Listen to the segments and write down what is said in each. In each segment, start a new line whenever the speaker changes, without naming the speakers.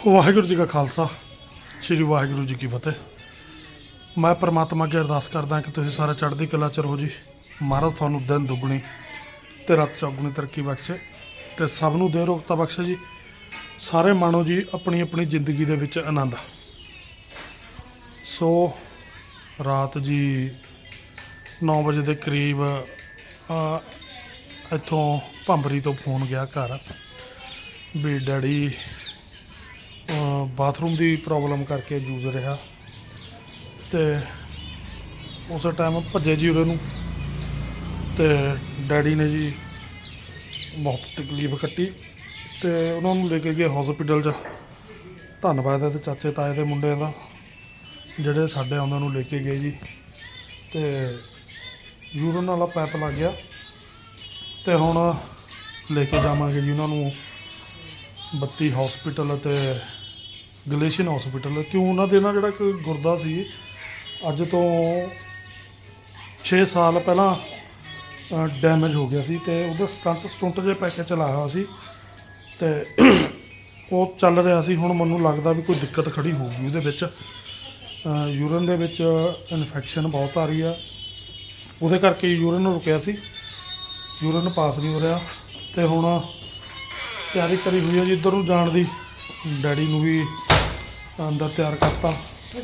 ਵਾਹਿਗੁਰੂ ਜੀ ਕਾ ਖਾਲਸਾ ਸ੍ਰੀ ਵਾਹਿਗੁਰੂ ਜੀ ਕੀ ਫਤਿਹ। ਮੈਂ ਪਰਮਾਤਮਾ ਅੱਗੇ ਅਰਦਾਸ ਕਰਦਾ ਕਿ ਤੁਸੀਂ ਸਾਰੇ ਚੜ੍ਹਦੀ ਕਲਾ ਚ ਰਹੋ ਜੀ। ਮਹਾਰਾਜ ਤੁਹਾਨੂੰ ਦਿਨ ਦੁੱਗਣੀ ਤੇ ਰਾਤ ਚੌਗੁਣੀ ਤਰੱਕੀ ਬਖਸ਼ੇ ਤੇ ਸਭ ਨੂੰ ਦੇ ਰੋਗਤਾ ਬਖਸ਼ੇ ਜੀ। ਸਾਰੇ ਮਾਣੋ ਜੀ ਆਪਣੀ ਆਪਣੀ ਜ਼ਿੰਦਗੀ ਦੇ ਵਿੱਚ ਆਨੰਦ। ਸੋ ਰਾਤ ਜੀ 9 ਵਜੇ ਦੇ ਕਰੀਬ ਇੱਥੋਂ ਭੰਬਰੀ ਤੋਂ ਫੋਨ ਗਿਆ ਘਰ ਵੀ ਡੈਡੀ ਬਾਥਰੂਮ ਦੀ ਪ੍ਰੋਬਲਮ ਕਰਕੇ ਜੂਝ ਰਿਹਾ ਤੇ ਉਸ ਟਾਈਮ ਭੱਜੇ ਜੀ ਉਰੇ ਨੂੰ ਤੇ ਡੈਡੀ ਨੇ ਜੀ ਬਹੁਤ ਤਕਲੀਫ ਕੱਟੀ ਤੇ ਉਹਨਾਂ ਨੂੰ ਲੈ ਕੇ ਗਏ ਹਸਪੀਟਲ 'ਚ। ਧੰਨਵਾਦ ਹੈ ਤੇ ਚਾਚੇ ਤਾਏ ਦੇ ਮੁੰਡਿਆਂ ਦਾ ਜਿਹੜੇ ਸਾਡੇ ਉਹਨਾਂ ਨੂੰ ਲੈ ਕੇ ਗਏ ਜੀ। ਤੇ ਯੂਰਨ ਵਾਲਾ ਪੈਪ ਲੱਗ ਗਿਆ ਤੇ ਹੁਣ ਲੈ ਕੇ ਜਾਵਾਂਗੇ ਜੀ ਉਹਨਾਂ ਨੂੰ 32 ਹਸਪੀਟਲ ਅਤੇ ਗਲੇਸ਼ੀਅਨ ਹਸਪੀਟਲ। ਕਿਉਂ ਉਹਨਾਂ ਦੇ ਨਾਲ ਜਿਹੜਾ ਇੱਕ ਗੁਰਦਾ ਸੀ ਅੱਜ ਤੋਂ 6 ਸਾਲ ਪਹਿਲਾਂ ਡੈਮੇਜ ਹੋ ਗਿਆ ਸੀ ਤੇ ਉਹਦਾ ਸਟੰਟ ਜੇ ਪੈ ਕੇ ਚਲਾਇਆ ਹੋਇਆ ਸੀ ਤੇ ਉਹ ਚੱਲ ਰਿਹਾ ਸੀ। ਹੁਣ ਮੈਨੂੰ ਲੱਗਦਾ ਵੀ ਕੋਈ ਦਿੱਕਤ ਖੜੀ ਹੋਊਗੀ ਉਹਦੇ ਵਿੱਚ। ਯੂਰਨ ਦੇ ਵਿੱਚ ਇਨਫੈਕਸ਼ਨ ਬਹੁਤ ਆ ਰਹੀ ਆ, ਉਹਦੇ ਕਰਕੇ ਯੂਰਨ ਰੁਕਿਆ ਸੀ, ਯੂਰਨ ਪਾਸ ਨਹੀਂ ਹੋ ਰਿਹਾ। ਤੇ ਹੁਣ ਤਿਆਰੀ ਕਰੀ ਹੋਈ ਹੈ ਜੀ ਇੱਧਰ ਨੂੰ ਜਾਣ ਦੀ। ਡੈਡੀ ਨੂੰ ਵੀ ਅੰਦਰ ਤਿਆਰ ਕਰਤਾ।
ਸਤਿ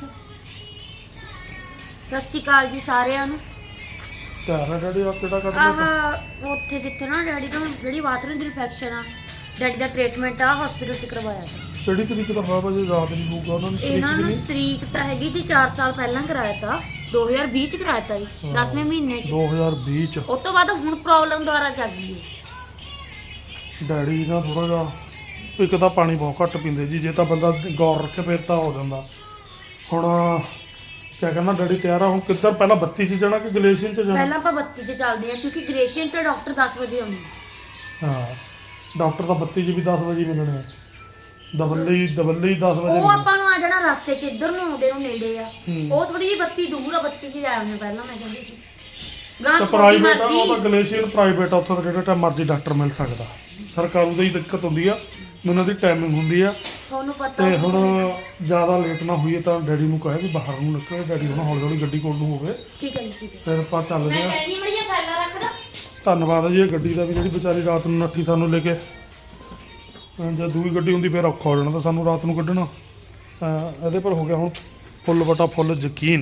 ਸ਼੍ਰੀ ਅਕਾਲ ਜੀ ਸਾਰਿਆਂ ਨੂੰ।
ਤਿਆਰ ਹੈ ਡੈਡੀ? ਆਪ ਕਿਹੜਾ ਕੱਢ ਲਿਆ
ਉੱਥੇ ਜਿੱਥੇ ਨਾ ਡੈਡੀ ਤੋਂ ਜਿਹੜੀ ਬਾਥਰੂਮ ਦੀ ਇਨਫੈਕਸ਼ਨ ਆ, ਡੈਡੀ ਦਾ ਟ੍ਰੀਟਮੈਂਟ ਆ ਹਸਪੀਟਲ 'ਚ ਕਰਵਾਇਆ ਸੀ।
ਕਿਹੜੀ ਤਰੀਕ ਦਾ ਹੋਇਆ ਭਾਜੀ? ਰਾਤ ਨਹੀਂ ਹੋਊਗਾ ਉਹਨਾਂ ਨੂੰ?
ਇਹਨਾਂ ਨੂੰ ਤਰੀਕ ਤਾਂ ਹੈਗੀ ਜੀ 4 ਸਾਲ ਪਹਿਲਾਂ ਕਰਾਇਆ ਤਾ, 2020 ਚ ਕਰਾਇਆ ਤਾ ਜੀ, 10ਵੇਂ ਮਹੀਨੇ 'ਚ
2020 ਚ।
ਉਸ ਤੋਂ ਬਾਅਦ ਹੁਣ ਪ੍ਰੋਬਲਮ ਦੁਆਰਾ ਚੱਲ ਗਈ ਹੈ।
ਡੈਡੀ ਨਾ ਥੋੜਾ ਜਿਹਾ ਇੱਕ ਤਾਂ ਪਾਣੀ ਬਹੁਤ ਘੱਟ ਪੀਂਦੇ ਜੀ, ਜੇ ਤਾਂ ਬੰਦਾ ਗੌਰ ਰੱਖੇ ਫਿਰ ਤਾਂ ਹੋ ਜਾਂਦਾ। ਹੁਣ ਕਿਆ ਕਹਿੰਦਾ ਡੈਡੀ ਤਿਆਰ ਆ ਹੁਣ ਕਿੱਧਰ? ਪਹਿਲਾਂ 32 ਚ ਜਾਣਾ ਕਿ ਗਲੇਸ਼ੀਅਨ ਚ ਜਾਣਾ?
ਪਹਿਲਾਂ ਆਪਾਂ 32 ਚ ਚੱਲਦੇ ਆ ਕਿਉਂਕਿ ਗ੍ਰੇਸ਼ੀਅਨ ਤੇ ਡਾਕਟਰ 10 ਵਜੇ ਆਉਂਦੇ
ਹਾਂ। ਡਾਕਟਰ ਤਾਂ 32 ਚ ਵੀ 10 ਵਜੇ ਮਿਲਣੇ ਆ। ਦਬੱਲੇ ਹੀ 10 ਵਜੇ।
ਉਹ ਆਪਾਂ ਨੂੰ ਆ ਜਾਣਾ ਰਸਤੇ 'ਚ ਇੱਧਰ ਨੂੰ ਆਉਂਦੇ ਨੂੰ ਨੇੜੇ ਆ। ਉਹ ਥੋੜੀ ਜਿਹੀ 32 ਦੂਰ ਆ, 32 ਚ ਜਾ ਆਉਂਦੇ ਪਹਿਲਾਂ ਮੈਂ ਕਹਿੰਦੀ ਸੀ। ਗਾਂ
ਤਾਂ ਪ੍ਰਾਈਵੇਟ ਆ ਉਹ ਤਾਂ ਗਲੇਸ਼ੀਅਨ ਪ੍ਰਾਈਵੇਟ ਆ, ਉੱਥੇ ਤਾਂ ਜਿਹੜਾ ਟਾਈਮ ਮਰਜ਼ੀ ਡਾਕਟਰ ਮਿਲ ਸਕਦਾ। ਸਰਕਾਰੂ ਦੀ ਦਿੱਕਤ ਹੁੰਦੀ ਆ, ਉਹਨਾਂ ਦੀ ਟਾਈਮਿੰਗ ਹੁੰਦੀ ਆ।
ਤੁਹਾਨੂੰ ਪਤਾ
ਤੇ ਹੁਣ ਜ਼ਿਆਦਾ ਲੇਟ ਨਾ ਹੋਈਏ ਤਾਂ ਡੈਡੀ ਨੂੰ ਕਹੇ ਵੀ ਬਾਹਰ ਨੂੰ ਨਿਕਲੇ। ਡੈਡੀ ਹੁਣ ਹੌਲੀ ਹੌਲੀ ਗੱਡੀ ਕੋਲ ਨੂੰ ਹੋਵੇ।
ਠੀਕ ਹੈ ਜੀ, ਠੀਕ ਹੈ।
ਫਿਰ ਆਪਾਂ ਚੱਲਦੇ ਆ।
ਮੈਂ ਕਹਿੰਦੀ ਮੜੀਆ ਫਾਈਲਾਂ ਰੱਖਦਾ।
ਧੰਨਵਾਦ ਹੈ ਜੀ ਇਹ ਗੱਡੀ ਦਾ ਵੀ, ਜਿਹੜੀ ਵਿਚਾਰੀ ਰਾਤ ਨੂੰ ਨੱਠੀ ਸਾਨੂੰ ਲੈ ਕੇ। ਜੇ ਦੂਜੀ ਗੱਡੀ ਹੁੰਦੀ ਫਿਰ ਔਖਾ ਹੋ ਜਾਣਾ ਤਾਂ ਸਾਨੂੰ ਰਾਤ ਨੂੰ ਕੱਢਣਾ। ਇਹਦੇ ਪਰ ਹੋ ਗਿਆ ਹੁਣ ਫੁੱਲ ਬਟਾ ਫੁੱਲ ਯਕੀਨ।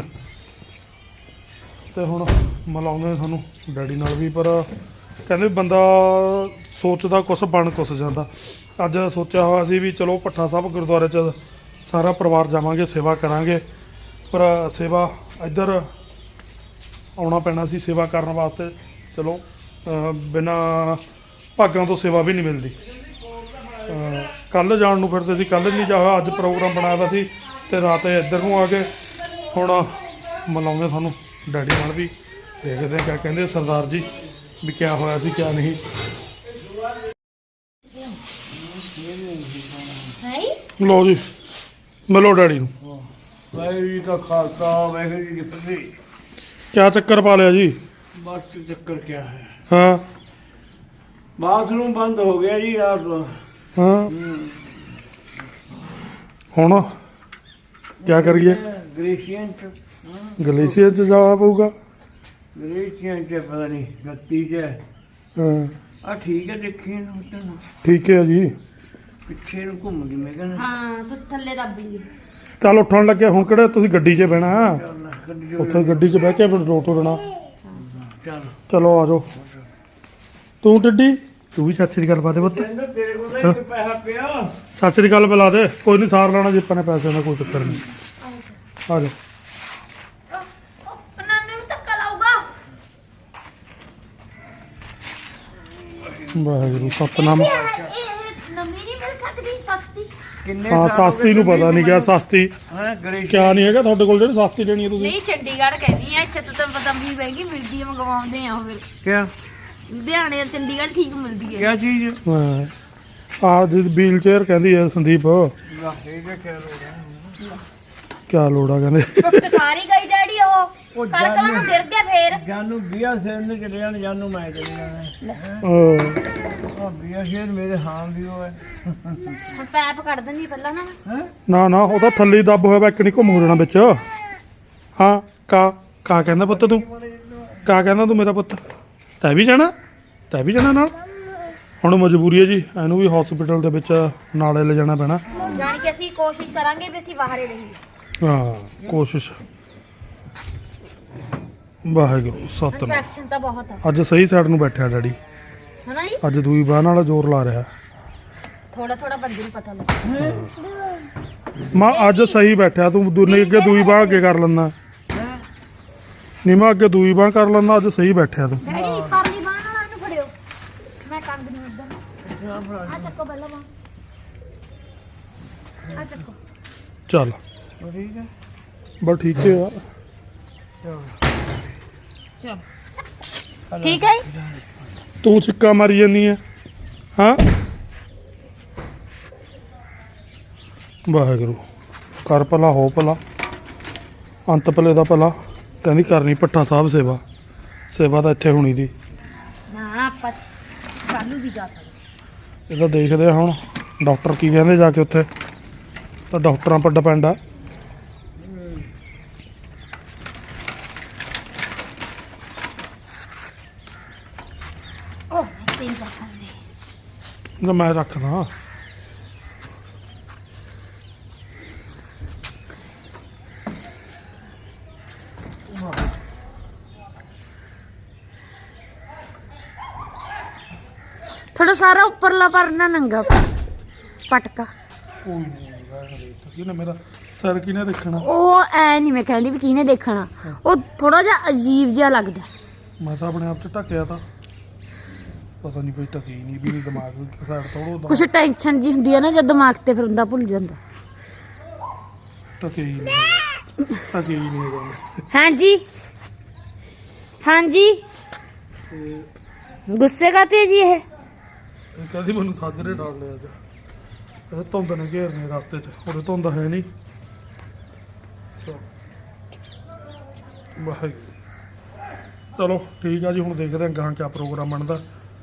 ਤੇ ਹੁਣ ਮਿਲਾਉਂਦੇ ਸਾਨੂੰ ਡੈਡੀ ਨਾਲ ਵੀ, ਪਰ ਕਹਿੰਦੇ ਬੰਦਾ ਸੋਚਦਾ ਕੁਛ ਬਣ ਕੁਛ ਜਾਂਦਾ। ਅੱਜ ਸੋਚਿਆ ਹੋਇਆ ਸੀ ਵੀ ਚਲੋ ਭੱਠਾ ਸਾਹਿਬ ਗੁਰਦੁਆਰੇ 'ਚ ਸਾਰਾ ਪਰਿਵਾਰ ਜਾਵਾਂਗੇ, ਸੇਵਾ ਕਰਾਂਗੇ, ਪਰ ਸੇਵਾ ਇੱਧਰ ਆਉਣਾ ਪੈਣਾ ਸੀ ਸੇਵਾ ਕਰਨ ਵਾਸਤੇ। ਚਲੋ ਬਿਨਾਂ ਭਾਗਾਂ ਤੋਂ ਸੇਵਾ ਵੀ ਨਹੀਂ ਮਿਲਦੀ। ਕੱਲ੍ਹ ਜਾਣ ਨੂੰ ਫਿਰਦੇ ਸੀ, ਕੱਲ੍ਹ ਨਹੀਂ ਜਾ ਹੋਇਆ। ਅੱਜ ਪ੍ਰੋਗਰਾਮ ਬਣਾਇਆ ਵਾ ਸੀ ਤੇ ਰਾਤ ਇੱਧਰ ਨੂੰ ਆ ਗਏ। ਹੁਣ ਮਿਲਾਉਂਦੇ ਤੁਹਾਨੂੰ ਡੈਡੀ ਨਾਲ ਵੀ, ਦੇਖਦੇ ਕਿਆ ਕਹਿੰਦੇ ਸਰਦਾਰ ਜੀ ਵੀ ਕਿਆ ਹੋਇਆ ਸੀ ਕਿਆ ਨਹੀਂ। ਲਓ ਜੀ ਮਿਲੋ ਡੈਡੀ ਨੂੰ।
ਵਾਹਿਗੁਰੂ ਜੀ ਕਾ ਖਾਲਸਾ ਵਾਹਿਗੁਰੂ ਜੀ ਕੀ ਫਤਿਹ।
ਕਿਆ ਚੱਕਰ ਪਾ ਲਿਆ ਜੀ?
ਬਸ ਚੱਕਰ ਕਿਆ ਹੈ,
ਹਾਂ
ਬਾਥਰੂਮ ਬੰਦ ਹੋ ਗਿਆ ਜੀ ਰਾਤ ਨੂੰ।
ਹਾਂ ਹੁਣ ਕਿਆ ਕਰੀਏ?
ਗ੍ਰੇਸ਼ੀਅਨ ਚ
ਗਲੇਸ਼ੀਅਰ 'ਚ ਜਾਣਾ ਪਊਗਾ।
ਗ੍ਰੇਸ਼ੀਅਨ ਚ ਪਤਾ ਨਹੀਂ 32 ਚ
ਹਾਂ
ਆ। ਠੀਕ ਹੈ, ਦੇਖੀ ਨੂੰ ਤੈਨੂੰ
ਠੀਕ ਹੈ ਜੀ।
ਪਿੱਛੇ ਨੂੰ ਘੁੰਮ ਗਈ ਮੈਂ ਕਹਿੰਦਾ।
ਹਾਂ ਤੁਸੀਂ ਥੱਲੇ ਦੱਬ ਲਈ।
ਚੱਲ ਉੱਠਣ ਲੱਗਿਆ ਹੁਣ ਕਿਹੜਾ ਤੁਸੀਂ ਗੱਡੀ 'ਚ ਬਹਿਣਾ?
ਚੱਲ ਗੱਡੀ
ਉੱਥੇ ਗੱਡੀ 'ਚ ਬਹਿ ਕੇ ਫਿਰ ਰੋਟ ਦੇਣਾ।
ਚੱਲ
ਚਲੋ ਆ ਜਾਓ। ਤੂੰ ਟਿੱਡੀ ਤੂੰ ਵੀ ਸਤਿ ਸ੍ਰੀ ਅਕਾਲ ਪਾ ਦੇ ਪੁੱਤ।
ਕਹਿੰਦਾ ਤੇਰੇ ਕੋਲ ਤਾਂ ਇੱਕ ਪੈਸਾ ਪਿਆ।
ਸਤਿ ਸ੍ਰੀ ਅਕਾਲ ਬੁਲਾ ਦੇ। ਕੋਈ ਨਹੀਂ ਸਾਰ ਲੈਣਾ ਜਿੱਪਾਂ ਨੇ ਪੈਸੇ ਦਾ, ਕੋਈ ਚੱਕਰ ਨਹੀਂ। ਆ ਜਾ।
ਨਾਨੇ ਨੂੰ ਧੱਕਾ ਲਾਊਗਾ।
ਵਾਹਿਗੁਰੂ ਸਤਨਾਮ।
ਇਹ ਨਵੀਂ ਨਹੀਂ ਮਿਲ ਸਕਦੀ ਸਸਤੀ?
ਕਿੰਨੇ
ਹਾਂ ਸਸਤੀ ਨੂੰ ਪਤਾ ਨਹੀਂ ਕਿਆ ਸਸਤੀ
ਹਾਂ ਗ੍ਰੇਸ਼ੀਅਨ
ਕਿਆ ਨਹੀਂ ਹੈਗਾ ਤੁਹਾਡੇ ਕੋਲ ਜਿਹੜੀ ਸਸਤੀ ਲੈਣੀ ਹੈ ਤੁਸੀਂ?
ਨਹੀਂ ਚੰਡੀਗੜ੍ਹ ਕਹਿੰਦੀ ਆ, ਇੱਥੇ ਤਾਂ ਪਤਾ ਵੀ ਮਹਿੰਗੀ ਮਿਲਦੀ ਹੈ, ਮੰਗਵਾਉਂਦੇ ਆ ਉਹ ਫਿਰ।
ਕਿਆ
ਲੁਧਿਆਣੇ ਔਰ ਚੰਡੀਗੜ੍ਹ ਠੀਕ ਮਿਲਦੀ ਹੈ।
ਕਿਆ ਚੀਜ਼?
ਹਾਂ ਆ ਜੀ ਵੀਲ ਚੇਅਰ ਕਹਿੰਦੀ ਹੈ ਸੰਦੀਪ।
ਵਾਹ ਇਹ ਕਿਆ ਲੋੜ ਹੈ?
ਕਿਆ ਲੋੜ ਆ ਕਹਿੰਦੇ?
ਟੁੱਟ ਸਾਰੀ ਗਈ ਡੈਡੀ ਉਹ।
ਉਹ
ਕਣਕਾਂ ਨੂੰ ਗਿਰ ਗਿਆ ਫੇਰ
ਜਾਨੂੰ ਬੀਆ ਸਿਰ ਨੇ ਚਲੇ ਜਾਣ ਜਾਨੂੰ ਮੈਂ ਚਲੇ ਜਾਣਾ ਉਹ ਬੀਆ ਸਿਰ ਮੇਰੇ ਹਾਂ ਵੀ ਉਹ ਹੈ
ਹੁਣ ਪੈਪ ਕੱਢ ਦਿੰਦੀ ਪਹਿਲਾਂ ਨਾ
ਹੈ
ਨਾ ਉਹ ਤਾਂ ਥੱਲੇ ਹੀ ਦੱਬ ਹੋਇਆ ਵਾ, ਇੱਕ ਨਹੀਂ ਘੁੰਮ ਹੋ ਜਾਣਾ ਵਿੱਚ। ਹਾਂ ਕਾ ਕਹਿੰਦਾ ਪੁੱਤ ਤੂੰ? ਕਾ ਕਹਿੰਦਾ ਤੂੰ ਮੇਰਾ ਪੁੱਤ? ਤੈਂ ਵੀ ਜਾਣਾ ਨਾਲ? ਹੁਣ ਮਜਬੂਰੀ ਹੈ ਜੀ, ਇਹਨੂੰ ਵੀ ਹਸਪੀਟਲ ਦੇ ਵਿੱਚ ਨਾਲੇ ਲੈ ਜਾਣਾ ਪੈਣਾ।
ਜਾਣ ਕੇ ਅਸੀਂ ਕੋਸ਼ਿਸ਼ ਕਰਾਂਗੇ ਵੀ ਅਸੀਂ ਬਾਹਰ ਹੀ ਰਹੀਏ।
ਹਾਂ ਕੋਸ਼ਿਸ਼। ਵਾਹਿਗੁਰੂ ਸਤਿਨਾਮ।
ਇਨਫੈਕਸ਼ਨ ਤਾਂ ਬਹੁਤ ਆ
ਅੱਜ ਸਹੀ ਸਾਈਡ ਨੂੰ ਬੈਠਿਆ ਡੈਡੀ,
ਹਨਾ ਜੀ।
ਅੱਜ ਦੂਈ ਬਾਹ ਨਾਲ ਜ਼ੋਰ ਲਾ ਰਿਹਾ।
ਥੋੜਾ ਥੋੜਾ ਬੰਦੇ ਨੂੰ ਪਤਾ ਲੱਗਾ।
ਮਾਂ ਅੱਜ ਸਹੀ ਬੈਠਿਆ ਤੂੰ, ਦੁਨੇ ਅੱਗੇ ਦੂਈ ਬਾਹ ਅੱਗੇ ਕਰ ਲੈਂਦਾ ਨਹੀਂ, ਮੈਂ ਅੱਗੇ ਦੂਈ ਬਾਹ ਕਰ ਲੈਂਦਾ, ਅੱਜ ਸਹੀ ਬੈਠਿਆ ਤੂੰ।
ਡੈਡੀ ਪਰਲੀ ਬਾਹ ਨਾਲ ਇਹਨੂੰ ਫੜਿਓ, ਮੈਂ ਕੰਗ ਨੂੰ ਉਧਰ ਆ ਚੱਕੋ ਪਹਿਲਾਂ ਬਾਹ ਆ ਚੱਕੋ।
ਚੱਲ
ਠੀਕ ਹੈ
ਬਸ ਠੀਕ ਹੈ ਯਾਰ।
ਚਲ ਠੀਕ ਹੈ ਜੀ।
ਤੂੰ ਛਿੱਕਾ ਮਾਰੀ ਜਾਂਦੀ ਹੈ ਹਾਂ। ਵਾਹਿਗੁਰੂ ਕਰ ਭਲਾ ਹੋ ਭਲਾ, ਅੰਤ ਭਲੇ ਦਾ ਭਲਾ। ਕਹਿੰਦੀ ਕਰਨੀ ਭੱਠਾ ਸਾਹਿਬ ਸੇਵਾ ਤਾਂ ਇੱਥੇ ਹੋਣੀ ਦੀ।
ਨਾ ਆਪਾਂ ਕੱਲ ਨੂੰ ਵੀ ਜਾ ਸਕਦੇ।
ਇਹ ਤਾਂ ਦੇਖਦੇ ਆ ਹੁਣ ਡਾਕਟਰ ਕੀ ਕਹਿੰਦੇ ਜਾ ਕੇ ਉੱਥੇ, ਤਾਂ ਡਾਕਟਰਾਂ ਪਰ ਡਿਪੈਂਡ ਆ।
ਉਹ ਤਿੰਨ ਕਰ ਸਕਦੇ।
ਨਾ ਮੈਂ ਰੱਖਦਾ।
ਥੋੜਾ ਸਾਰਾ ਉੱਪਰਲਾ ਪਰਨਾ ਨੰਗਾ ਪਟਕਾ।
ਕੋਈ ਨਹੀਂ ਕਿਹਨੇ ਮੇਰਾ ਸਿਰ ਕਿਹਨੇ ਦੇਖਣਾ।
ਉਹ ਐ ਨਹੀਂ ਮੈਂ ਕਹਿੰਦੀ ਵੀ ਕਿਹਨੇ ਦੇਖਣਾ, ਉਹ ਥੋੜਾ ਜਿਹਾ ਅਜੀਬ ਜਿਹਾ ਲੱਗਦਾ।
ਮੈਂ ਤਾਂ ਆਪਣੇ ਆਪ 'ਚ ਢੱਕਿਆ ਤਾਂ ਪਤਾ ਨਹੀਂ ਕੋਈ ਢਕੀ ਨਹੀਂ ਵੀ ਦਿਮਾਗ ਇੱਕ ਸਾਈਡ ਥੋੜਾ
ਕੁਛ ਟੈਨਸ਼ਨ ਜੀ ਹੁੰਦੀ ਆ ਨਾ ਜਦ ਦਿਮਾਗ ਤੇ, ਫਿਰ ਬੰਦਾ ਭੁੱਲ ਜਾਂਦਾ।
ਢਕੇ ਹੀ ਨਹੀਂ ਹੈਗਾ।
ਹਾਂਜੀ ਹਾਂਜੀ ਗੁੱਸੇ ਕਰਤੇ ਜੀ ਇਹ
ਇਹ ਕਹਿੰਦੀ ਮੈਨੂੰ ਸਾਜਰੇ ਡਾਲ ਲਿਆ ਅੱਜ, ਇਹ ਧੁੰਦ ਨੇ ਘੇਰਨੇ ਰਸਤੇ 'ਚ, ਉਹਦੇ ਧੁੰਦ ਹੈ ਨਹੀਂ। ਵਾਹਿਗੁਰੂ ਚਲੋ ਠੀਕ ਆ ਜੀ, ਹੁਣ ਦੇਖਦੇ ਹਾਂ ਗਾਂ ਕਿਆ ਪ੍ਰੋਗਰਾਮ ਬਣਦਾ।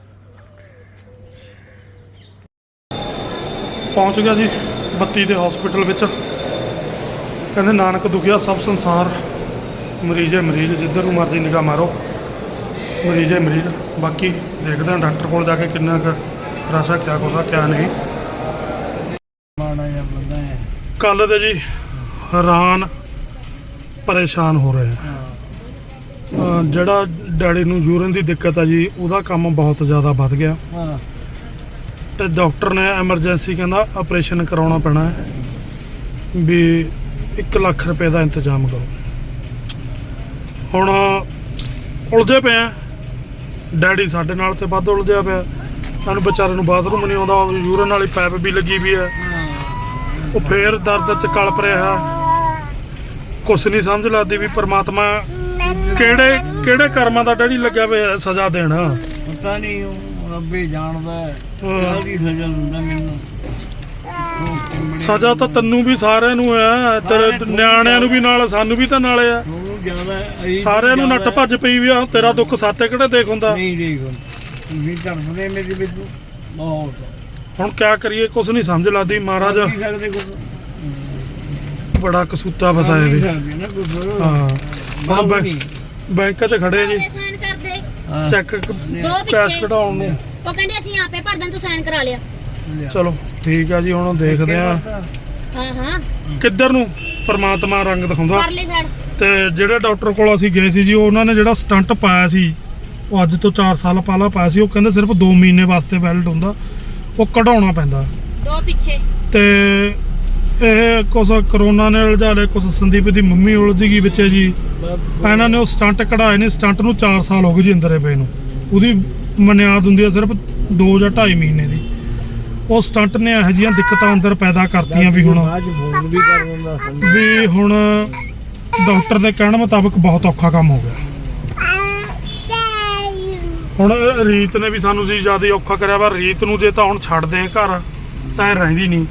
ਪਹੁੰਚ ਗਿਆ ਜੀ ਬੱਤੀ ਦੇ ਹਸਪੀਟਲ ਵਿੱਚ। ਕਹਿੰਦੇ ਨਾਨਕ ਦੁਖੀਆ ਸਭ ਸੰਸਾਰ, ਮਰੀਜ਼ ਹੈ ਮਰੀਜ਼, ਜਿੱਧਰ ਨੂੰ ਮਰਜ਼ੀ ਨਿਗਾਹ ਮਾਰੋ ਮਰੀਜ਼ ਹੈ ਮਰੀਜ਼। ਬਾਕੀ ਦੇਖਦੇ ਹਾਂ ਡਾਕਟਰ ਕੋਲ ਜਾ ਕੇ ਕਿੰਨਾ ਕੁ ਰਸ਼ ਆ, ਕਿਆ ਕੁਛ ਆ ਕਿਆ ਨਹੀਂ।
ਮਾੜਾ ਜਿਹਾ ਬੰਦਾ ਹੈ।
ਕੱਲ ਦੇ ਜੀ ਹੈਰਾਨ ਪਰੇਸ਼ਾਨ ਹੋ ਰਹੇ ਆ। ਜਿਹੜਾ ਡੈਡੀ ਨੂੰ ਯੂਰਿਨ ਦੀ ਦਿੱਕਤ ਆ ਜੀ, ਉਹਦਾ ਕੰਮ ਬਹੁਤ ਜ਼ਿਆਦਾ ਵੱਧ ਗਿਆ
ਹਾਂ
ਤੇ ਡਾਕਟਰ ਨੇ ਐਮਰਜੈਂਸੀ ਕਹਿੰਦਾ ਆਪਰੇਸ਼ਨ ਕਰਾਉਣਾ ਪੈਣਾ ਹੈ, ਵੀ 1 ਲੱਖ ਰੁਪਏ ਦਾ ਇੰਤਜ਼ਾਮ ਕਰੋ। ਹੁਣ ਉਲਝੇ ਪਏ ਆ, ਡੈਡੀ ਸਾਡੇ ਨਾਲ ਤੇ ਵੱਧ ਉਲਝਿਆ ਪਿਆ। ਸਾਨੂੰ ਵਿਚਾਰੇ ਨੂੰ ਬਾਥਰੂਮ ਨਹੀਂ ਆਉਂਦਾ, ਯੂਰਿਨ ਵਾਲੀ ਪਾਈਪ ਵੀ ਲੱਗੀ ਵੀ ਹੈ। ਉਹ ਫੇਰ ਦਰਦ ਚ ਕਲਪ ਰਿਹਾ, ਕੁਛ ਨਹੀਂ ਸਮਝ ਲੱਗਦੀ ਵੀ ਪ੍ਰਮਾਤਮਾ ਕਿਹੜੇ ਕਰਮਾਂ ਦਾ ਡੈਡੀ ਲੱਗਿਆ ਪਿਆ ਸਜ਼ਾ ਦੇਣ।
ਪਤਾ ਨਹੀਂ ਉਹ ਰੱਬੇ ਜਾਣਦਾ ਹੈ ਕਾਹਦੀ ਸਜ਼ਾ ਦਿੰਦਾ ਮੈਨੂੰ।
ਸਜ਼ਾ ਤਾਂ ਤੈਨੂੰ ਵੀ ਸਾਰਿਆਂ ਨੂੰ ਹੈ, ਤੇਰੇ ਨਿਆਣਿਆਂ ਨੂੰ ਵੀ ਨਾਲ, ਸਾਨੂੰ ਵੀ ਤਾਂ ਨਾਲੇ ਆ।
ਉਹਨੂੰ ਜ਼ਿਆਦਾ
ਸਾਰਿਆਂ ਨੂੰ ਨੱਟ ਭੱਜ ਪਈ ਵੀ ਆ। ਤੇਰਾ ਦੁੱਖ ਸਾਤੇ ਕਿਹੜੇ ਦੇਖ ਹੁੰਦਾ।
ਨਹੀਂ ਦੇਖੋ ਤੁਸੀਂ ਝੜਪਦੇ ਮੇਰੇ ਵਿੱਚ ਬਹੁਤ।
ਹੁਣ ਕਿਆ ਕਰੀਏ, ਕੁਛ ਨਹੀਂ ਸਮਝ ਲੱਗਦੀ। ਮਹਾਰਾਜ
ਕੀ ਸਕਦੇ ਕੁਝ
ਬੜਾ ਕਸੂਤਾ ਫਸਾਇਆ ਵੀ।
ਨਾ ਕੁਝ
ਹਾਂ ਹੁਣ ਬੈਂਕ 'ਚ ਖੜੇ ਜੀ,
ਸਾਈਨ ਕਰ ਦੇ
ਚੈੱਕ ਕੈਸ਼ ਕਢਾਉਣ ਨੂੰ।
ਉਹ ਕਹਿੰਦੇ ਅਸੀਂ ਆਪੇ ਭਰ ਦਾਂ, ਤੂੰ ਸਾਈਨ ਕਰਾ ਲਿਆ।
ਚਲੋ ਠੀਕ ਆ ਜੀ, ਹੁਣ ਦੇਖਦੇ ਆ
ਹਾਂ
ਕਿੱਧਰ ਨੂੰ ਪਰਮਾਤਮਾ ਰੰਗ ਦਿਖਾਉਂਦਾ।
ਪਰਲੇ ਸਾਈਡ
ਤੇ ਜਿਹੜੇ ਡਾਕਟਰ ਕੋਲ ਅਸੀਂ ਗਏ ਸੀ ਜੀ, ਉਹਨਾਂ ਨੇ ਜਿਹੜਾ ਸਟੰਟ ਪਾਇਆ ਸੀ, ਉਹ ਅੱਜ ਤੋਂ 4 ਸਾਲ ਪਹਿਲਾਂ ਪਾਇਆ ਸੀ। ਉਹ ਕਹਿੰਦੇ ਸਿਰਫ 2 ਮਹੀਨੇ ਵਾਸਤੇ ਵੈਲਿਡ ਹੁੰਦਾ, ਉਹ ਕਢਾਉਣਾ ਪੈਂਦਾ।
ਦੋ ਪਿੱਛੇ
ਤੇ ਇਹ ਕੁਛ ਕਰੋਨਾ ਨੇ ਉਲਝਾ ਲਿਆ, ਕੁਛ ਸੰਦੀਪ ਦੀ ਮੰਮੀ ਉਲਝ ਗਈ ਵਿੱਚ ਜੀ। ਇਹਨਾਂ ਨੇ ਉਹ ਸਟੰਟ ਕਢਾਏ ਨੇ। ਸਟੰਟ ਨੂੰ 4 ਸਾਲ ਹੋ ਗਏ ਜੀ ਅੰਦਰੇ ਪਏ ਨੂੰ। ਉਹਦੀ ਮਨਿਆਦ ਹੁੰਦੀ ਹੈ ਸਿਰਫ 2 ਜਾਂ 2.5 ਮਹੀਨੇ ਦੀ। ਉਹ ਸਟੰਟ ਨੇ ਇਹੋ ਜਿਹੀਆਂ ਦਿੱਕਤਾਂ ਅੰਦਰ ਪੈਦਾ ਕਰਤੀਆਂ ਵੀ ਹੁਣ
ਫੋਨ ਵੀ ਕਰ ਦਿੰਦਾ
ਵੀ ਹੁਣ ਡਾਕਟਰ ਦੇ ਕਹਿਣ ਮੁਤਾਬਕ ਬਹੁਤ ਔਖਾ ਕੰਮ ਹੋ ਗਿਆ। ਹੁਣ ਰੀਤ ਨੇ ਵੀ ਸਾਨੂੰ ਸੀ ਜ਼ਿਆਦਾ ਔਖਾ ਕਰਿਆ ਵਾ। ਰੀਤ ਨੂੰ ਜੇ ਤਾਂ ਹੁਣ ਛੱਡਦੇ ਘਰ ਤਾਂ ਇਹ ਰਹਿੰਦੀ ਨਹੀਂ।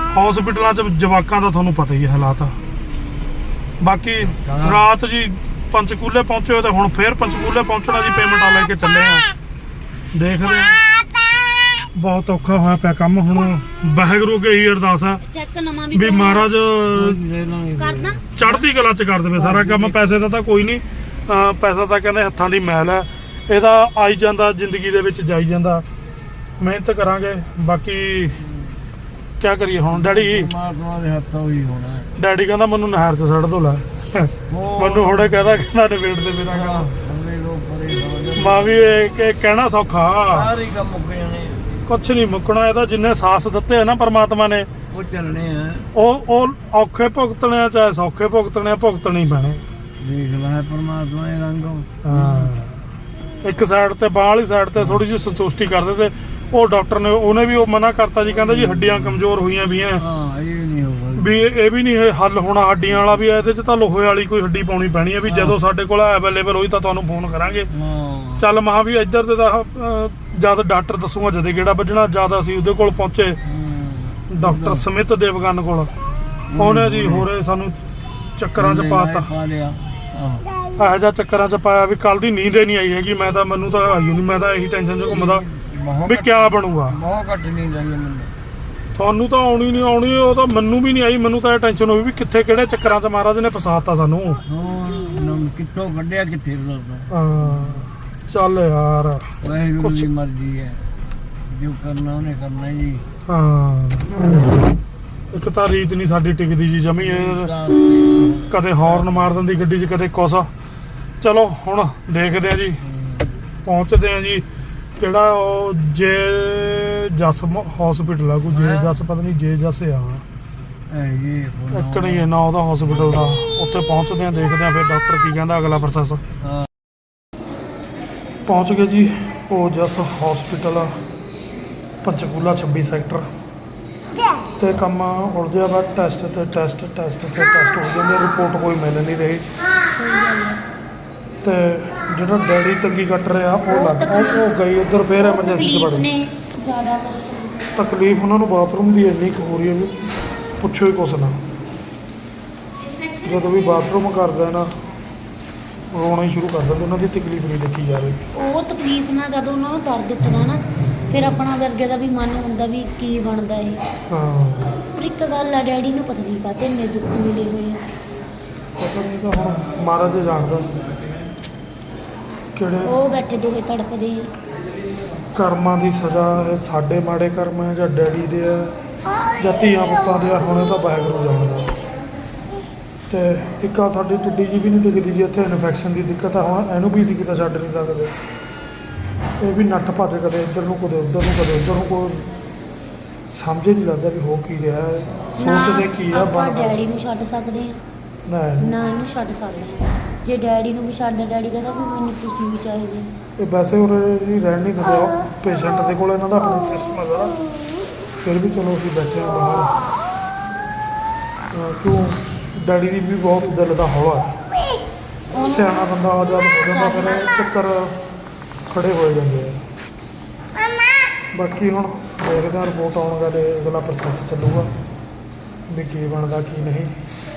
ਹਸਪੀਟਲਾਂ 'ਚ ਜਵਾਕਾਂ ਦਾ ਤੁਹਾਨੂੰ ਪਤਾ ਹੀ ਹੈ ਹਾਲਾਤ। ਬਾਕੀ ਰਾਤ ਜੀ ਪੰਚਕੂਲੇ ਪਹੁੰਚੇ ਤੇ ਹੁਣ ਫੇਰ ਪੰਚਕੂਲੇ ਪਹੁੰਚਣਾ ਜੀ, ਪੇਮੈਂਟਾਂ ਲੈ ਕੇ ਚੱਲੇ ਆ। ਦੇਖਦੇ ਆ, ਬਹੁਤ ਔਖਾ ਹੋਇਆ ਪਿਆ ਕੰਮ। ਹੁਣ ਵਾਹਿਗੁਰੂ ਅੱਗੇ ਇਹੀ ਅਰਦਾਸ ਆ
ਚੈੱਕ ਨਵਾਂ
ਵੀ ਮਹਾਰਾਜ
ਕਰਦਾ
ਚੜ੍ਹਦੀ ਕਲਾ ਚ ਕਰ ਦੇਵੇ ਸਾਰਾ ਕੰਮ। ਪੈਸੇ ਦਾ ਤਾਂ ਕੋਈ ਨਹੀਂ, ਪੈਸਾ ਤਾਂ ਕਹਿੰਦੇ ਹੱਥਾਂ ਦੀ ਮੈਲ ਹੈ, ਇਹਦਾ ਆਈ ਜਾਂਦਾ ਜ਼ਿੰਦਗੀ ਦੇ ਵਿੱਚ ਜਾਈ ਜਾਂਦਾ। ਮਿਹਨਤ ਕਰਾਂਗੇ, ਬਾਕੀ ਕਿਆ ਕਰੀਏ ਹੁਣ। ਡੈਡੀ
ਪਰਮਾਤਮਾ ਦੇ ਹੱਥੋਂ ਹੀ ਹੋਣਾ ਹੈ।
ਡੈਡੀ ਕਹਿੰਦਾ ਮੈਨੂੰ ਨਹਿਰ 'ਚ ਸੱਟ ਦੋ ਲੈ, ਮੈਨੂੰ ਹੁਣੇ ਕਹਿੰਦਾ ਨਿਬੇੜ ਦੇ ਮੇਰਾ ਕੰਮ।
ਅਗਲੇ ਲੋਕ ਪਰੇ ਹੋ ਜਾਣ।
ਮਾਂ ਵੀ ਇਹ ਕਹਿਣਾ ਸੌਖਾ,
ਸਾਰੇ ਕੰਮ ਮੁੱਕ ਜਾਣੇ,
ਕੁਛ ਨਹੀਂ ਮੁੱਕਣਾ। ਇਹਦਾ ਜਿੰਨੇ ਸਾਥ ਦਿੱਤੇ ਆ ਨਾ ਪਰਮਾਤਮਾ ਨੇ,
ਉਹ ਚੱਲਣੇ ਆ।
ਉਹ ਔਖੇ ਭੁਗਤਣੇ ਆ ਚਾਹੇ ਸੌਖੇ ਭੁਗਤਣੇ ਆ, ਭੁਗਤਣੇ ਹੀ ਪੈਣੇ।
ਦੇਖ ਲੈ ਪਰਮਾਤਮਾ ਦੇ ਰੰਗ।
ਹਾਂ, ਇੱਕ ਸਾਈਡ ਤੇ ਬਾਹ ਵਾਲੀ ਸਾਈਡ ਤੇ ਥੋੜੀ ਜਿਹੀ ਸੰਤੁਸ਼ਟੀ ਕਰਦੇ ਤੇ ਉਹ ਡਾਕਟਰ ਨੇ ਉਹਨੇ ਵੀ ਉਹ ਮਨਾ ਕਰਤਾ ਜੀ, ਕਹਿੰਦਾ ਜੀ ਹੱਡੀਆਂ ਕਮਜ਼ੋਰ ਹੋਈਆਂ ਵੀ ਆ,
ਹਾਂ ਇਹ ਵੀ ਨਹੀਂ ਹੋਊਗਾ
ਵੀ ਇਹ ਵੀ ਨਹੀਂ ਹੱਲ ਹੋਣਾ ਹੱਡੀਆਂ ਵਾਲਾ ਵੀ। ਇਹਦੇ 'ਚ ਤਾਂ ਲੋਹੇ ਵਾਲੀ ਕੋਈ ਹੱਡੀ ਪਾਉਣੀ ਪੈਣੀ ਹੈ ਵੀ ਜਦੋਂ ਸਾਡੇ ਕੋਲ ਅਵੇਲੇਬਲ ਹੋਈ ਤਾਂ ਤੁਹਾਨੂੰ ਫੋਨ ਕਰਾਂਗੇ।
ਹਾਂ
ਚੱਲ ਮਹਾ ਵੀ ਇੱਧਰ ਤੇ ਤਾਂ ਜਦ ਡਾਕਟਰ ਦੱਸੂਗਾ ਜਦੇ ਕਿਹੜਾ ਵੱਜਣਾ। ਜਦ ਅਸੀਂ ਉਹਦੇ ਕੋਲ ਪਹੁੰਚੇ ਡਾਕਟਰ ਸਮਿਤ ਦੇਵਗਨ ਕੋਲ, ਉਹਨੇ ਜੀ ਹੋਰੇ ਸਾਨੂੰ ਚੱਕਰਾਂ 'ਚ ਪਾਤਾ।
ਪਾ ਲਿਆ
ਇਹੋ ਜਿਹਾ ਚੱਕਰਾਂ 'ਚ ਪਾਇਆ ਵੀ ਕੱਲ ਦੀ ਨੀਂਦ ਹੀ ਨਹੀਂ ਆਈ ਹੈਗੀ। ਮੈਂ ਤਾਂ ਮੈਨੂੰ ਤਾਂ ਆਈ ਨਹੀਂ, ਮੈਂ ਤਾਂ ਇਹੀ ਟੈਨਸ਼ਨ 'ਚ ਘੁੰਮਦਾ ਵੀ ਕਿਆ ਬਣੂਗਾ।
ਬਹੁਤ ਘੱਟ ਨਹੀਂ ਜਾਈਏ ਮੈਨੂੰ।
ਤੁਹਾਨੂੰ ਤਾਂ ਆਉਣੀ ਨਹੀਂ ਆਉਣੀ, ਉਹ ਤਾਂ ਮੈਨੂੰ ਵੀ ਨਹੀਂ ਆਈ। ਮੈਨੂੰ ਤਾਂ ਇਹ ਟੈਨਸ਼ਨ ਹੋਈ ਵੀ ਕਿੱਥੇ ਕਿਹੜੇ ਚੱਕਰਾਂ 'ਚ ਮਹਾਰਾਜ ਨੇ ਫਸਾਤਾ ਸਾਨੂੰ।
ਹਾਂ ਕਿੱਥੋਂ ਕੱਢਿਆ ਕਿੱਥੇ ਫਸਾਤਾ।
ਹਾਂ ਚੱਲ ਯਾਰ,
ਵਾਹਿਗੁਰੂ ਦੀ ਮਰਜ਼ੀ ਹੈ, ਜੋ ਕਰਨਾ ਉਹਨੇ ਕਰਨਾ ਜੀ।
ਹਾਂ ਇੱਕ ਤਾਂ ਰੀਤ ਨਹੀਂ ਸਾਡੀ ਟਿਕਦੀ ਜੀ ਜਮੀ। ਕਦੇ ਹੌਰਨ ਮਾਰ ਦਿੰਦੀ ਗੱਡੀ 'ਚ, ਕਦੇ ਕੁਛ। ਚਲੋ ਹੁਣ ਦੇਖਦੇ ਆ ਜੀ, ਪਹੁੰਚਦੇ ਆ ਜੀ। ਕਿਹੜਾ ਉਹ ਜੇ ਜਸ ਹਸਪੀਟਲ ਆ, ਕੋਈ ਜੇ ਜਸ ਪਤਾ ਨਹੀਂ ਜੇ ਜਸ ਆ ਇੱਕ ਨਹੀਂ ਹੈ ਨਾ ਉਹਦਾ ਹਸਪੀਟਲ ਦਾ। ਉੱਥੇ ਪਹੁੰਚਦੇ ਆ, ਦੇਖਦੇ ਆ ਫਿਰ ਡਾਕਟਰ ਕੀ ਕਹਿੰਦਾ ਅਗਲਾ ਪ੍ਰੋਸੈਸ। ਪਹੁੰਚ ਗਏ ਜੀ ਉਹ ਜਸ ਹਸਪੀਟਲ ਪੰਚਕੂਲਾ 26 ਸੈਕਟਰ ਤੇ ਕੰਮ ਉਲਝਿਆ ਵਾ। ਟੈਸਟ ਤੇ ਟੈਸਟ ਹੋ ਜਾਂਦੇ, ਰਿਪੋਰਟ ਕੋਈ ਮਿਲ ਨਹੀਂ ਰਹੀ। ਤੇ ਜਿਹੜਾ ਡੈਡੀ ਤੰਗੀ ਕੱਟ ਰਿਹਾ ਉਹ ਗਈ ਉੱਧਰ, ਫੇਰ ਐਮਰਜੈਂਸੀ 'ਚ ਵੜ ਗਈ।
ਜ਼ਿਆਦਾ
ਤਕਲੀਫ ਉਹਨਾਂ ਨੂੰ ਬਾਥਰੂਮ ਦੀ ਇੰਨੀ ਕੁ ਹੋ ਰਹੀ ਹੈ ਵੀ ਪੁੱਛੋ ਹੀ ਕੁਛ ਨਾ। ਜਦੋਂ ਵੀ ਬਾਥਰੂਮ ਕਰਦਾ ਨਾ ਰੋਣਾ ਹੀ ਸ਼ੁਰੂ ਕਰ ਦਿੰਦੇ। ਉਹਨਾਂ ਦੀ ਤਕਲੀਫ ਨਹੀਂ ਦੇਖੀ ਜਾ ਰਹੀ।
ਉਹ ਤਕਲੀਫ ਨਾਲ ਜਦੋਂ ਉਹਨਾਂ ਨੂੰ ਦਰਦ ਉੱਠਦਾ ਨਾ, ਫਿਰ ਆਪਣਾ ਵਰਗੇ ਦਾ ਵੀ ਮਨ ਹੁੰਦਾ ਵੀ ਕੀ ਬਣਦਾ ਇਹ।
ਹਾਂ
ਪਰ ਇੱਕ ਗੱਲ ਆ, ਡੈਡੀ ਨੂੰ ਪਤਾ ਨਹੀਂ ਕਾਹਤੇ ਇੰਨੇ ਦੁੱਖ ਮਿਲੇ ਹੋਏ ਆ।
ਪਤਾ ਨਹੀਂ ਤਾਂ ਹੁਣ ਮਹਾਰਾਜ ਜਾਣਦਾ ਕਿਹੜੇ
ਉਹ ਬੈਠੇ ਦੋਹੇ ਤੜਪਦੇ ਆ।
ਕਰਮਾਂ ਦੀ ਸਜ਼ਾ ਇਹ ਸਾਡੇ ਮਾੜੇ ਕਰਮ ਹੈ ਜਾਂ ਡੈਡੀ ਦੇ ਆ ਜਾਂ ਧੀਆਂ ਪੁੱਤਾਂ ਦੇ ਆ, ਹੁਣ ਇਹ ਤਾਂ ਵਾਹਿਗੁਰੂ ਜਾਣਦਾ। ਤੇ ਇੱਕ ਆ ਸਾਡੀ ਟਿੱਡੀ ਜੀ ਵੀ ਨਹੀਂ ਦਿਖਦੀ ਜੀ, ਇੱਥੇ ਇਨਫੈਕਸ਼ਨ ਦੀ ਦਿੱਕਤ ਆ। ਹੁਣ ਇਹਨੂੰ ਵੀ ਅਸੀਂ ਕਿਤੇ ਛੱਡ ਨਹੀਂ ਸਕਦੇ। ਇਹ ਵੀ ਨੱਠ ਭੱਜ ਕਦੇ ਇੱਧਰ ਨੂੰ ਕਦੇ ਉੱਧਰ ਨੂੰ ਕਦੇ ਉੱਧਰ ਨੂੰ, ਕੋਈ ਸਮਝ ਹੀ ਨਹੀਂ ਲੱਗਦਾ ਵੀ ਹੋ ਕੀ ਰਿਹਾ ਹੈ। ਸੋਚਦੇ ਕੀ ਆ
ਆਪਾਂ
ਬਣਦਾ।
ਡੈਡੀ ਨੂੰ ਛੱਡ ਸਕਦੇ ਆ
ਨਾ
ਨਾ ਇਹਨੂੰ ਛੱਡ ਸਕਦੇ ਆ। ਜੇ ਡੈਡੀ ਨੂੰ ਵੀ ਛੱਡਦਾ, ਡੈਡੀ ਕਹਿੰਦਾ ਵੀ ਮੈਨੂੰ ਤੁਸੀਂ ਵੀ ਚਾਹੀਦੇ।
ਇਹ ਵੈਸੇ ਉਰੇ ਜੀ ਰਹਿਣ ਨਹੀਂ ਦਿੰਦੇ ਪੇਸ਼ੈਂਟ ਦੇ ਕੋਲ, ਇਹਨਾਂ ਦਾ ਆਪਣਾ ਸਿਸਟਮ ਹੈ ਸਾਰਾ। ਫਿਰ ਵੀ ਚਲੋ ਅਸੀਂ ਬੈਠੇ ਹਾਂ ਬਾਹਰ। ਕਿਉਂ ਡੈਡੀ ਦੀ ਵੀ ਬਹੁਤ ਦਿਲ ਦਾ ਹੌਲਾ ਹੈ। ਸਿਆਣਾ ਬੰਦਾ ਆਜ਼ਾਦ ਹੋ ਜਾਂਦਾ, ਫਿਰ ਚੱਕਰ ਖੜੇ ਹੋ ਜਾਂਦੇ ਆ। ਬਾਕੀ ਹੁਣ ਦੇਖਦੇ ਹਾਂ ਰਿਪੋਰਟ ਆਉਣ ਦਾ ਤੇ ਅਗਲਾ ਪ੍ਰੋਸੈਸ ਚੱਲੂਗਾ ਵੀ ਕੀ ਬਣਦਾ ਕੀ ਨਹੀਂ।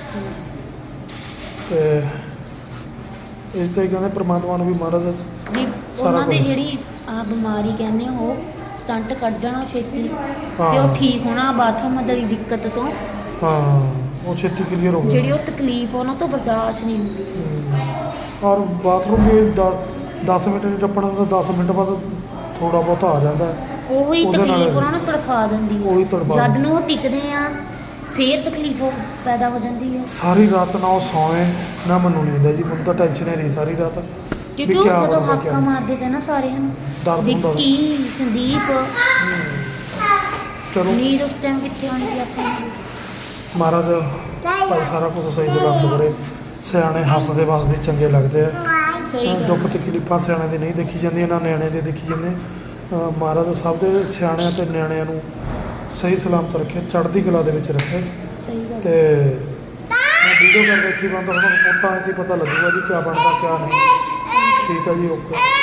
ਤੇ ਇਸ ਤੋਂ ਹੀ ਕਹਿੰਦੇ ਪ੍ਰਮਾਤਮਾ ਨੂੰ ਵੀ ਮਹਾਰਾਜ
ਵੀ ਉਹਨਾਂ ਦੇ ਜਿਹੜੀ ਆ ਬਿਮਾਰੀ ਕਹਿੰਦੇ ਉਹ ਸਟੰਟ ਕੱਢ ਜਾਣਾ ਛੇਤੀ, ਤੇ ਉਹ ਠੀਕ ਹੋਣਾ ਬਾਥਰੂਮ ਦੀ ਦਿੱਕਤ ਤੋਂ।
ਹਾਂ ਉਹ ਛੇਤੀ ਕਲੀਅਰ ਹੋ ਗਿਆ।
ਜਿਹੜੀ ਉਹ ਤਕਲੀਫ ਉਹਨਾਂ ਤੋਂ ਬਰਦਾਸ਼ਤ ਨਹੀਂ ਹੁੰਦੀ।
ਔਰ ਬਾਥਰੂਮ ਵੀ 10 ਮਿੰਟ ਨਹੀਂ ਟੱਪਣਾ ਤਾਂ 10 ਮਿੰਟ ਬਾਅਦ ਥੋੜਾ ਬਹੁਤਾ ਆ ਜਾਂਦਾ।
ਉਹੀ
ਉਹਦੇ ਨਾਲ
ਤਕਲੀਫ ਉਹਨਾਂ ਨੂੰ ਤੜਫਾ ਦਿੰਦੀ
ਉਹੀ
ਹੈ।
ਤੜਫਾ
ਜਦ ਨੂੰ ਉਹ ਟਿਕਦੇ ਆ ਫੇਰ ਤਕਲੀਫ ਪੈਦਾ ਹੋ ਜਾਂਦੀ ਹੈ।
ਸਾਰੀ ਰਾਤ ਨਾ ਉਹ ਸੌਏ ਨਾ ਮੈਨੂੰ ਨੀਂਦ ਹੈ ਜੀ। ਮੈਨੂੰ ਤਾਂ ਟੈਨਸ਼ਨ ਹੀ ਰਹੀ ਸਾਰੀ ਰਾਤ
ਕਿਉਂਕਿ ਉਹ ਜਦੋਂ ਹਾਕਾ ਮਾਰਦੇ ਤੇ ਨਾ ਸਾਰਿਆਂ ਨੂੰ,
ਦਰਦ ਹੁੰਦਾ।
ਵਿੱਕੀ ਸੰਦੀਪ,
ਚਲੋ
ਨੀਂਦ ਉਸ ਟਾਈਮ ਕਿੱਥੇ ਆਉਣੀ ਸੀ ਆਪਾਂ ਨੂੰ।
ਮਹਾਰਾਜ ਭਾਈ ਸਾਰਾ ਕੁਝ ਸਹੀ ਸਲਾਮਤ ਕਰੇ। ਸਿਆਣੇ ਹੱਸਦੇ ਵਸਦੇ ਚੰਗੇ ਲੱਗਦੇ ਆ।
ਸਹੀ ਗੱਲ।
ਦੁੱਖ ਤਕਲੀਫਾਂ ਸਿਆਣੇ ਦੀ ਨਹੀਂ ਦੇਖੀ ਜਾਂਦੀਆਂ, ਨਾ ਨਿਆਣੇ ਦੀ ਦੇਖੀ ਜਾਂਦੇ। ਮਹਾਰਾਜ ਸਭ ਦੇ ਸਿਆਣਿਆਂ ਤੇ ਨਿਆਣਿਆਂ ਨੂੰ ਸਹੀ ਸਲਾਮਤ ਰੱਖੇ, ਚੜ੍ਹਦੀ ਕਲਾ ਦੇ ਵਿੱਚ ਰੱਖੇ।
ਸਹੀ ਗੱਲ।
ਤੇ ਮੈਂ ਵੀਡੀਓ ਕਰ ਬੈਠੀ ਬੰਦ, ਹੁਣ ਰਿਪੋਰਟਾਂ 'ਚ ਹੀ ਪਤਾ ਲੱਗੂਗਾ ਜੀ ਕਿਆ ਬਣਦਾ ਕਿਆ ਨਹੀਂ। ਠੀਕ ਆ ਜੀ, ਓਕੇ।